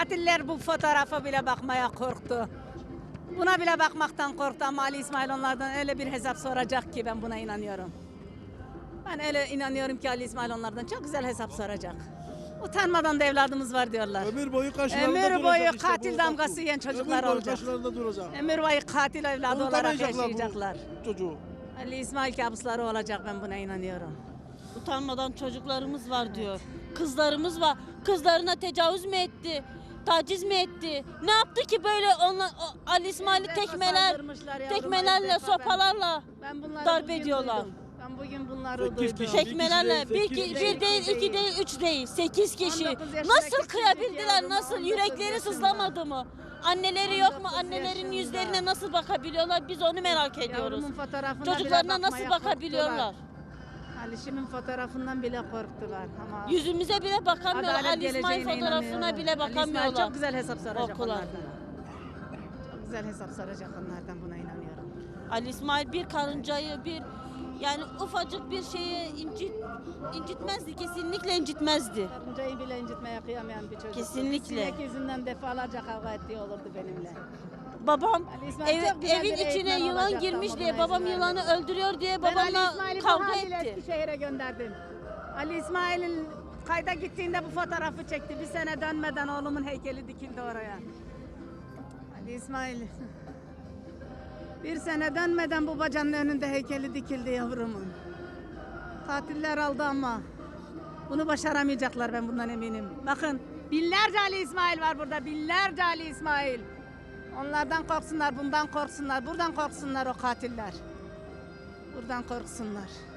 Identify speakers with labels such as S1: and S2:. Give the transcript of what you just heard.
S1: Katiller bu fotoğrafa bile bakmaya korktu. Buna bile bakmaktan korktu ama Ali İsmail onlardan öyle bir hesap soracak ki ben buna inanıyorum. Ben öyle inanıyorum ki Ali İsmail onlardan çok güzel hesap soracak. Utanmadan da evladımız var diyorlar.
S2: Ömür boyu karşılarında duracak.
S1: Ömür boyu
S2: işte
S1: katil
S2: bu,
S1: damgası
S2: bak bu.
S1: yiyen çocuklar
S2: Ömür boyu
S1: olacak.
S2: karşılarında duracak.
S1: Ömür boyu katil evladı olarak
S2: Unutamayacaklar
S1: yaşayacaklar.
S2: bu çocuğu.
S1: Ali İsmail kabusları olacak, ben buna inanıyorum.
S3: Utanmadan çocuklarımız var diyor. Kızlarımız var. Kızlarına tecavüz mü etti? Taciz mi etti? Ne yaptı ki böyle Ali İsmail'i tekmelerle, sopalarla darp ediyorlar.
S1: Ben bugün bunları
S2: 8
S1: duydum.
S2: kişi.
S3: Tekmelerle
S2: Bir kişi
S3: bir değil, iki değil, üç değil, 8 kişi.
S1: 19 yaşındaki
S3: Nasıl kıyabildiler?
S1: çocuk
S3: Nasıl?
S1: yavrum,
S3: Yürekleri
S1: 19
S3: sızlamadı mı? Anneleri yok mu?
S1: 19
S3: Annelerin
S1: yaşında.
S3: yüzlerine nasıl bakabiliyorlar? Biz onu merak ediyoruz.
S1: Yavrumun fotoğrafına
S3: Çocuklarına
S1: bile
S3: nasıl
S1: bakmaya
S3: bakabiliyorlar?
S1: korktular. Alişim'in fotoğrafından bile korktular ama
S3: Yüzümüze bile bakamıyorlar.
S1: adalet
S3: Ali İsmail
S1: geleceğine
S3: fotoğrafına
S1: inanıyorlar.
S3: bile
S1: Ali İsmail
S3: bakamıyorlar.
S1: çok güzel hesap soracak
S3: Korkular.
S1: onlardan. Çok güzel hesap soracak onlardan, buna inanıyorum.
S3: Ali İsmail bir karıncayı yani ufacık bir şeyi incitmezdi, kesinlikle incitmezdi.
S1: Karıncayı bile incitmeye kıyamayan bir çocuk.
S3: Kesinlikle.
S1: Sinek yüzünden defalarca kavga ettiği olurdu benimle.
S3: Babam
S1: Ali İsmail çok güzel
S3: evin
S1: bir
S3: içine
S1: eğitmen
S3: yılan
S1: olacaktı
S3: girmiş
S1: ama
S3: diye
S1: buna
S3: babam
S1: izin
S3: yılanı
S1: vermedi.
S3: öldürüyor diye
S1: Ben Ali
S3: babamla
S1: İsmail'i bu
S3: kavga
S1: haliyle
S3: etti.
S1: Eskişehir'e gönderdim. Ali İsmail'in kayda gittiğinde bu fotoğrafı çekti. Bir sene dönmeden oğlumun heykeli dikildi oraya. Ali İsmail. Bir sene dönmeden bu bacanın önünde heykeli dikildi yavrumun. Katiller aldı ama bunu başaramayacaklar, ben bundan eminim. Bakın binlerce Ali İsmail var burada, binlerce Ali İsmail. Onlardan korksunlar, bundan korksunlar, buradan korksunlar o katiller. Buradan korksunlar.